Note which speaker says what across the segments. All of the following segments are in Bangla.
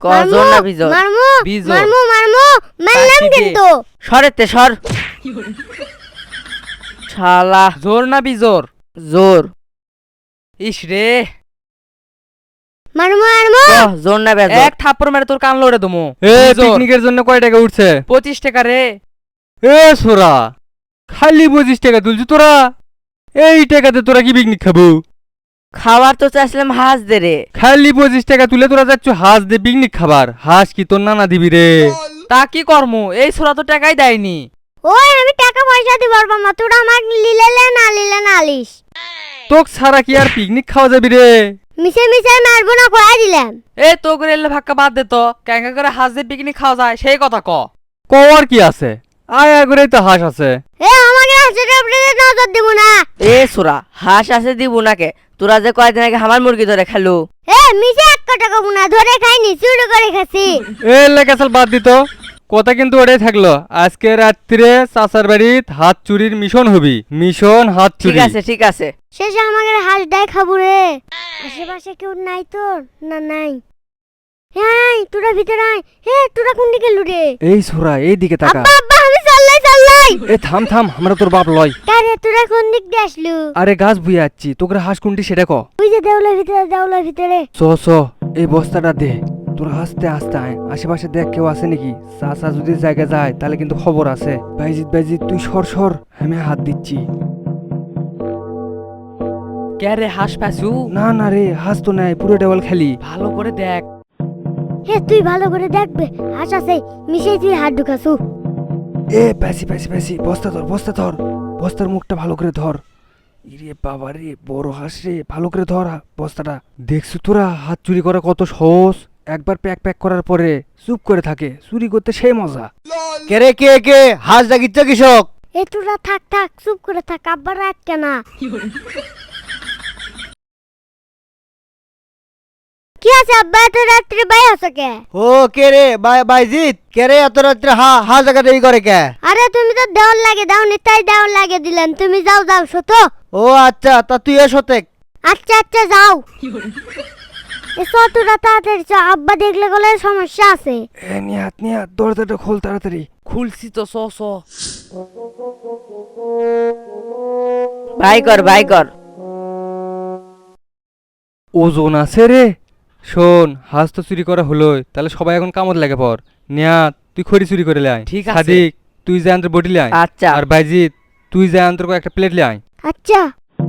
Speaker 1: কজন না বিজোর
Speaker 2: মারমু
Speaker 1: বিজোর
Speaker 2: মারমু মারমু মারলাম কিন্তু
Speaker 1: সরেতে সর শালা জোর না বিজোর জোর ইস রে
Speaker 2: মারমু মারমু
Speaker 1: জোর না বেজোর এক থাপ্পড় মেরে তোর কান লড়ে দমু
Speaker 3: এ পিকনিকের জন্য কয় টাকা উঠছে
Speaker 1: 25 টাকা রে
Speaker 3: এ সোরা খালি 25 টাকা তুলছি তোরা এই টাকাতে তোরা কি পিকনিক খাবো
Speaker 1: খাবার তো চাইছিলাম হাঁস দে রে
Speaker 3: খালি 25 টাকা তুলে তোরা যাচ্ছ হাঁস দে পিকনিক খাবার হাঁস কি তোর নানা দিবি রে
Speaker 1: তা কি করমু এই ছোড়া তো টাকাই দেয়নি
Speaker 2: ওই আমি টাকা পয়সা দিব পারবো না তোরা আমাক লিলেলে না লিস
Speaker 3: তোক ছাড়া কি আর পিকনিক খাওয়া যাবি রে
Speaker 2: মিশে মিশে মারবো না কয়া দিলাম
Speaker 1: এ তো করে এলে ভাক্কা বাদ দে তো ক্যাঙ্কা করে হাঁস দিয়ে পিকনিক খাওয়া যায় সেই কথা ক
Speaker 3: কওয়ার কি আছে আয়া করেই তো হাঁস আছে
Speaker 2: এ আমাকে হাসির উপরে নজর দিব না
Speaker 1: এ ছোড়া হাঁস আছে দিব নাকে তোরা যে কয়দিন আগে আমার মুরগি ধরে খেলু
Speaker 2: এ মিশে 1 টাকা বুনা ধরে খাইনি চুরি করে খাসি
Speaker 3: এ লেখাচাল বাদ দিত কথা কিন্তু ওটাই থাকলো আজকে রাত্রে চাচার বাড়িত হাত চুরির মিশন হবি মিশন হাত
Speaker 1: ঠিক
Speaker 3: চুরি
Speaker 1: আছে ঠিক আছে
Speaker 2: শেষে আমাকে হাঁস ডাই খাবো রে আশেপাশে কেউ নাই তোর না নাই হ্যাঁ তোরা ভিতরে আয় হে তোরা কোন দিকে লুরে
Speaker 3: এই ছোরা এই দিকে তাকা
Speaker 2: আব্বা আব্বা আমি চাল্লাই
Speaker 3: এ থাম থাম আমরা তোর বাপ লয়
Speaker 2: কারে তোরা কোন দিক দিয়ে আসলু
Speaker 3: আরে গাছ বুয়ে যাচ্ছি তোকে হাঁস কোনটি সেটা ক
Speaker 2: ওই যে দেওলার ভিতরে
Speaker 3: চ এই বস্তাটা দে তোর আস্তে আস্তে আয় আশেপাশে দেখ কেউ আছে নাকি চাচা যদি জায়গা যায় তাহলে কিন্তু খবর আছে বাইজিৎ তুই সর আমি হাত দিচ্ছি
Speaker 1: কে রে হাঁস পাসু
Speaker 3: না রে হাঁস তো নাই পুরো টেবল খালি
Speaker 1: ভালো করে দেখ
Speaker 2: হে তুই ভালো করে দেখবে হাঁস আছে মিশে তুই হাত ঢুকাছু
Speaker 3: এ প্যাসি বস্তা ধর বস্তার মুখটা ভালো করে ধর ইরে বাবা রে বড় হাঁস রে ভালো করে ধর বস্তাটা দেখছু তোরা হাত চুরি করা কত সহজ একবার প্যাক করার পরে চুপ করে থাকে চুরি করতে সেই মজা
Speaker 4: কেরে কে হাঁস ডাকিচ্ছ কৃষক
Speaker 2: এ তোরা থাক চুপ করে থাক আব্বার রাত কেনা কি আছে আব্বা এত রাত্রে বাই আছে কে
Speaker 4: ও কে রে বাইজিৎ কে রে এত রাত্রে হাঁস ডাকা দেরি করে কে
Speaker 2: আরে তুমি তো দেওয়াল লাগে দাওনি তাই দেওয়াল লাগে দিলেন তুমি যাও শত
Speaker 4: ও আচ্ছা তা তুই এসতে
Speaker 2: আচ্ছা যাও এসো তোরা তাড়াতাড়ি চ আব্বা দেখলে গেলে সমস্যা আছে
Speaker 3: এ নিয়াত দরজাটা খোল তাড়াতাড়ি
Speaker 1: খুলছি তো স ভাই কর
Speaker 3: ওজন আছে রে শোন হাঁস তো চুরি করা হলোই তাহলে সবাই এখন কামত লাগে পর নিয়াত তুই খড়ি চুরি করে লাই
Speaker 1: ঠিক আছে।
Speaker 3: সাদিক তুই যা আন্তর বটি লাই
Speaker 1: আচ্ছা
Speaker 3: আর বাইজিৎ তুই যা আন্তর একটা প্লেট লাই
Speaker 2: আচ্ছা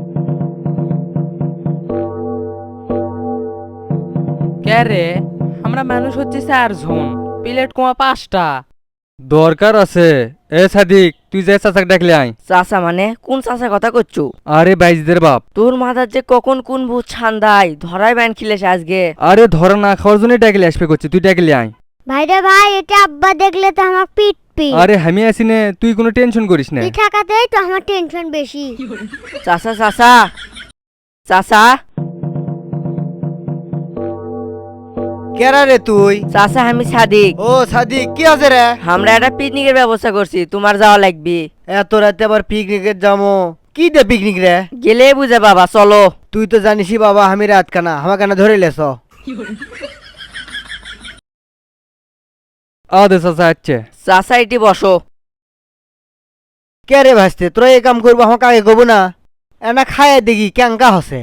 Speaker 1: কে রে আমরা মানুষ হচ্ছে 4 জন প্লেট কমা 5টা
Speaker 3: দরকার আছে এ সাদিক তুই যা চাচাকে ডাকলে আয়
Speaker 1: চাচা মানে কোন চাচা কথা করছু
Speaker 3: আরে বাইজিদের বাপ
Speaker 1: তোর মাথার যে কখন কোন ভূত ছান্দাই ধরাই ব্যান খিলেছে আজকে
Speaker 3: আরে ধরা না খাওয়ার জন্যই ডাকলে আসবে করছি তুই ডাকলে আয়
Speaker 2: ভাইরে ভাই এটা আব্বা দেখলে তো আমার পিটপি
Speaker 3: আরে আমি আছি নে তুই কোনো টেনশন করিস না
Speaker 2: তুই থাকাতেই তো আমার টেনশন বেশি
Speaker 1: চাচা
Speaker 4: কেরা রে তুই
Speaker 1: চাচা আমি সাদিক
Speaker 4: ও সাদিক কি আছে রে
Speaker 1: আমরা একটা পিকনিকের ব্যবস্থা করছি তোমার যাওয়া লাগবে
Speaker 4: এত রাতে আবার পিকনিকের যাবো কি দে পিকনিক রে
Speaker 1: গেলে বুঝে বাবা চলো
Speaker 4: তুই তো জানিসই বাবা আমি রাত কানা আমার কানা ধরে লেছ
Speaker 3: আদে চাচা আচ্ছে
Speaker 1: চাচা এটি বসো
Speaker 4: কে রে ভাসতে তোরা এই কাম করবো আমাকে আগে কব না এনা খায় দেখি ক্যাঙ্কা হসে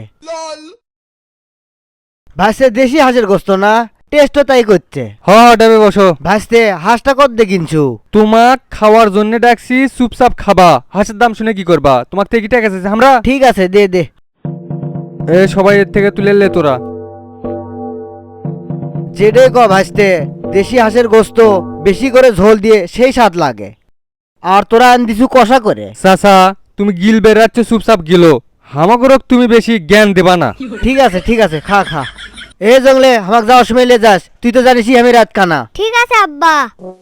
Speaker 4: ভাসতে দেশি হাঁসের গোস্ত না টেস্টও তাই করছে
Speaker 3: ডাবে বসো
Speaker 4: ভাসতে হাঁসটা কত দে কিনছু
Speaker 3: তোমাক খাওয়ার জন্য ডাকছি চুপচাপ খাবা হাঁসের দাম শুনে কি করবা তোমার থেকে কি টাকা আছে আমরা
Speaker 4: ঠিক আছে দে
Speaker 3: এ সবাই এর থেকে তুলে লে তোরা
Speaker 4: যেটাই ক ভাসতে দেশি হাঁসের গোস্ত বেশি করে ঝোল দিয়ে সেই স্বাদ লাগে আর তোরা আন দিছু কষা করে
Speaker 3: চাচা তুমি গিল বেড়াচ্ছে চুপচাপ গিলো হামাগরক তুমি বেশি জ্ঞান দেবা না
Speaker 4: ঠিক আছে খা এ জঙ্গলে আমাকে যাওয়ার সময় লে যাস তুই তো জানিসই আমি রাত কানা
Speaker 2: ঠিক আছে আব্বা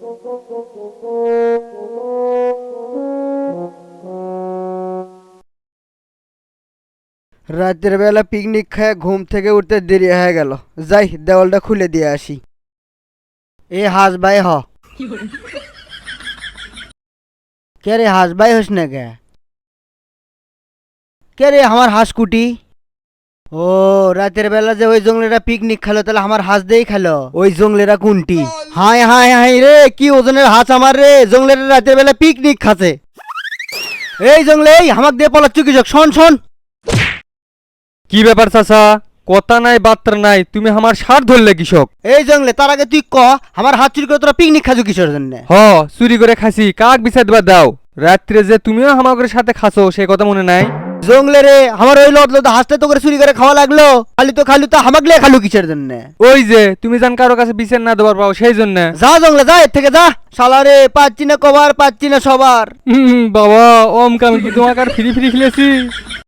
Speaker 4: রাতের বেলা পিকনিক খায় ঘুম থেকে উঠতে দেরি হয়ে গেল যাই দেওয়ালটা খুলে দিয়ে আসি এ হাঁস ভাই কে রে হাঁস ভাই হস না কে রে আমার হাঁস কুটি ও রাতের বেলা যে ওই জঙ্গলেরা পিকনিক খেলো তাহলে আমার হাঁস দেই খেলো ওই জঙ্গলেরা কোনটি? হাই হাই হাই রে, কি ওজনের হাঁস আমার রে, জঙ্গলেরা রাতের বেলা পিকনিক খাচ্ছে। এই জঙ্গলে এই হামাক দিয়ে পলাচ্ছ কৃষক, শোন শোন।
Speaker 3: কি ব্যাপার চাচা? কথা নাই বার্তা নাই, তুমি আমার সার ধরলে কৃষক।
Speaker 4: এই জঙ্গলে তার আগে তুই ক আমার হাত চুরি করে তোরা পিকনিক খাজু কিসের জন্য?
Speaker 3: হ, চুরি করে খাসি, কাক বিচার দিবা দাও। রাত্রে যে তুমিও আমাদের সাথে খাসো সে কথা মনে নাই?
Speaker 4: জঙ্গলে রে আমার ওই লদ হাঁসটা তো করে চুরি করে খাওয়া লাগলো, খালি তো হামাকলে খালু কিসের জন্য?
Speaker 3: ওই যে তুমি জান কারো কাছে বিচার না দেবার পাও সেই জন্য।
Speaker 4: যা জঙ্গলে যা, এর থেকে যা। শালা রে, পাচ্ছি না কবার, পাচ্ছি না সবার।
Speaker 3: বাবা ওম কাল কি তোমাকে আর ফ্রি ফ্রি খেলেছি?